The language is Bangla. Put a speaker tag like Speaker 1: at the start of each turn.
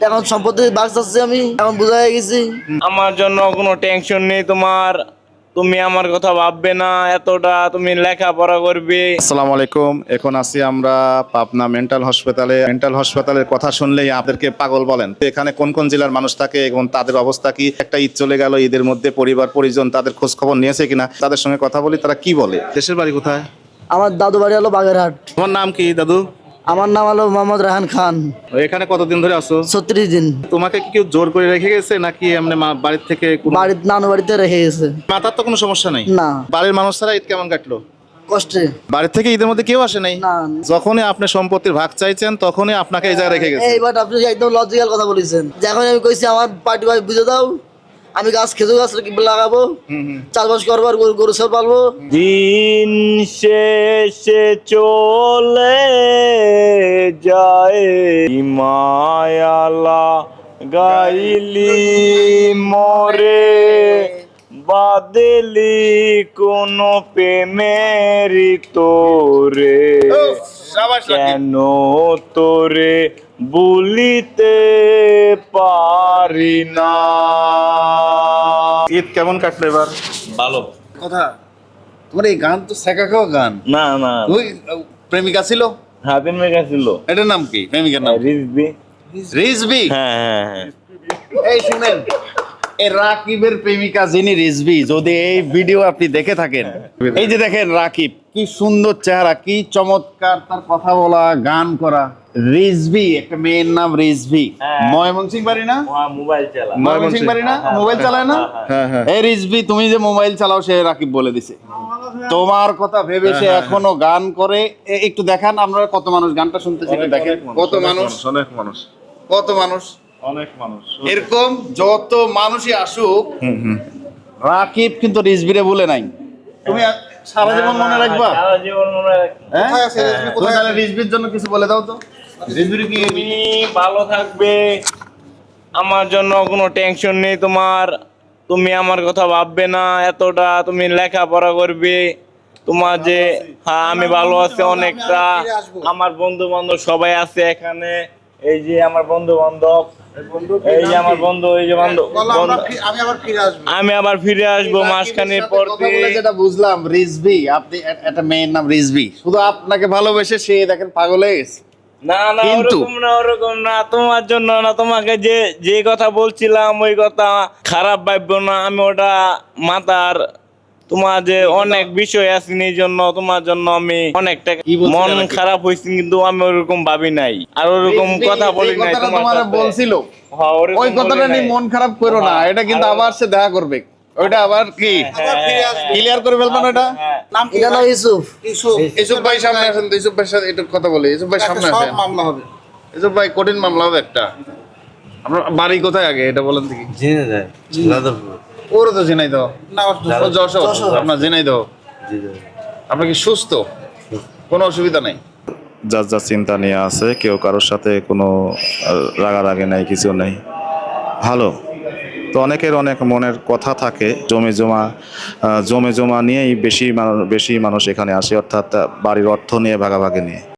Speaker 1: এখন সম্পত্তি বাগ চাচ্ছি, আমি এখন বুঝা হয়ে গেছি।
Speaker 2: আমার জন্য কোনো টেনশন নেই তোমার, তুমি আমার কথা ভাববে না, এতটা তুমি লেখাপড়া করবে।
Speaker 3: আসসালামু আলাইকুম। এখন আছি আমরা পাবনা মেন্টাল হসপিটালে। মেন্টাল হসপিটালের কথা শুনলেই আপনাদেরকে পাগল বলেন। তো এখানে কোন কোন জেলার মানুষ থাকে এবং তাদের অবস্থা কি? একটা ঈদ চলে গেল, ঈদের মধ্যে পরিবার পরিজন তাদের খোঁজ খবর নিয়েছে কিনা, তাদের সঙ্গে কথা বলি, তারা কি বলে। দেশের বাড়ি কোথায়?
Speaker 1: আমার দাদু বাড়ি হলো বাগেরহাট।
Speaker 3: তোমার নাম কি দাদু?
Speaker 1: আমার নাম হলো মোহাম্মদ রাহান খান।
Speaker 3: এখানে কতদিন ধরে আছো?
Speaker 1: 36 দিন।
Speaker 3: তোমাকে কি কেউ জোর করে রেখে গেছে নাকি এমনি বাড়ির থেকে
Speaker 1: বাড়ির নানু বাড়িতে রেখে গেছে।
Speaker 3: মাথার তো কোনো সমস্যা নাই?
Speaker 1: না।
Speaker 3: বাড়ির মানুষ ছাড়া ঈদ কেমন কাটলো?
Speaker 1: কষ্টে।
Speaker 3: বাড়ির থেকে ঈদের মধ্যে কেউ আসে নাই?
Speaker 1: না।
Speaker 3: যখনই আপনি সম্পত্তির ভাগ চাইছেন তখনই আপনাকে এই জায়গায় রেখে গেছে।
Speaker 1: এইবার আপনি একদম লজিক্যাল কথা বলেছেন। যখন আমি কইছি আমার পার্টি ভাই বুঝে দাও, আমি গাছ খেজুর গাছ লাগাবো, চাষবাস করবো, আর গরু ছাগল পালবো।
Speaker 2: দিন শেষে চলে যায় মায়ালা গাইলি মরে, বাদলি কোন প্রেমের তোরে, কেন তোরে বলিতে পারি না।
Speaker 3: ঈদ কেমন কাটলো এবার?
Speaker 2: ভালো।
Speaker 4: কথা তোমার এই গান তো শেখা খাওয়া গান।
Speaker 2: না না,
Speaker 4: ওই প্রেমিকা ছিল,
Speaker 2: হাতের মেঘা ছিল।
Speaker 4: এটার নাম কি? প্রেমিকার নাম
Speaker 2: রিজবি।
Speaker 4: রিজবি।
Speaker 2: হ্যাঁ হ্যাঁ হ্যাঁ।
Speaker 4: এই শুনেন, এই রাকিবের প্রেমিকা যিনি রিজবি, যদি এই ভিডিও আপনি দেখে থাকেন, এই যে দেখেন রাকিব, কি সুন্দর চেহারা, কি চমৎকার তার কথা বলা, গান করা। রিজবি, একটা মেয়ের নাম রিজবি।
Speaker 2: হ্যাঁ।
Speaker 4: ময়মনসিং বাড়ি না?
Speaker 2: মোবাইল চালা।
Speaker 4: ময়মনসিং বাড়ি না? মোবাইল চালায় না?
Speaker 3: হ্যাঁ হ্যাঁ।
Speaker 4: এই রিজবি, তুমি যে মোবাইল চালাও সে রাকিব বলে দিছে তোমার কথা ভেবে সে এখনো গান করে। একটু দেখান, আমরা কত মানুষ গানটা শুনতেছি, একটু দেখেন কত মানুষ,
Speaker 3: অনেক মানুষ,
Speaker 4: কত মানুষ,
Speaker 3: অনেক মানুষ।
Speaker 4: এরকম যত মানুষই আসুক, রাকিব কিন্তু রিজবিরে বলে নাই। তুমি সারা জীবন মনে রাখবা?
Speaker 2: সারা জীবন মনে রাখবো।
Speaker 4: হ্যাঁ? তুমি তাহলে রিজবির জন্য কিছু বলে দাও তো। রিজবির কি
Speaker 2: তুমি ভালো থাকবে, আমার জন্য কোনো টেনশন নেই তোমার, তুমি আমার কথা ভাববে না, এতটা তুমি লেখাপড়া করবে। তোমার যে হ্যাঁ আমি ভালো আছি অনেকটা, আমার বন্ধু বান্ধব সবাই আছে এখানে। এই যে আমার বন্ধু বান্ধব, এই যে আমার বন্ধু, এই যে বান্ধব, আমি আবার ফিরে আসবো মাসখানেক পর
Speaker 4: কথা বলে যেটা বুঝলাম, রিজবি, আপনি একটা মেয়ের নাম রিজবি, শুধু আপনাকে ভালোবেসে সে দেখেন পাগল হয়ে গেছে।
Speaker 2: না না,
Speaker 4: কিন্তু-
Speaker 2: ওরকম না, ওরকম না, তোমার জন্য না, তোমাকে যে যে কথা বলছিলাম ওই কথা খারাপ ভাববো না, আমি ওটা মাথার, তোমার যে অনেক বিষয় আছে এই জন্য তোমার জন্য আমি অনেকটা
Speaker 4: কি বলছিলেন
Speaker 2: মন
Speaker 4: নাকি?
Speaker 2: খারাপ হয়েছে, কিন্তু আমি ওরকম ভাবি নাই আর ওরকম
Speaker 4: রিজভী
Speaker 2: কথা বলি
Speaker 4: যে
Speaker 2: নাই
Speaker 4: কথাটা
Speaker 2: তোমার
Speaker 4: তোমারে
Speaker 2: সাথে।
Speaker 4: বলছিল,
Speaker 2: হ্যাঁ, ওরকম
Speaker 4: ওই কথাটা
Speaker 2: বলি
Speaker 4: নিয়ে
Speaker 2: নাই।
Speaker 4: মন খারাপ করো না,
Speaker 2: হ্যাঁ,
Speaker 4: এটা কিন্তু
Speaker 2: আর-
Speaker 4: আবার সে দেখা করবে, ওইটা আবার কি ক্লিয়ার করে ফেলবেন ওটা।
Speaker 2: হ্যাঁ।
Speaker 1: এটা নাম ইউসুফ।
Speaker 4: ইসুফ ভাই সামনে আসেন তো, ইসুফ ভাইয়ের সাথে একটু কথা বলি। ইসুফ ভাই সামনে আসেন।
Speaker 5: মামলা হবে।
Speaker 4: ইসুফ ভাই, কঠিন মামলা হবে একটা। আপনার বাড়ি কোথায় আগে এটা বলেন দেখি।
Speaker 5: জেনে যায় যাদবপুর।
Speaker 4: ওরও তো জেনাই দাও,
Speaker 5: না
Speaker 4: যশোর, আপনার জেনাই দাও। আপনার কি সুস্থ? কোনো অসুবিধা নাই?
Speaker 3: যার যার চিন্তা নিয়ে আছে, কেউ কারোর সাথে কোনো রাগারাগি নাই, কিছু নেই, ভালো। তো অনেকের অনেক মনের কথা থাকে, জমে জমা নিয়েই বেশি মানুষ এখানে আসে, অর্থাৎ বাড়ির অর্থ নিয়ে, ভাগাভাগি নিয়ে।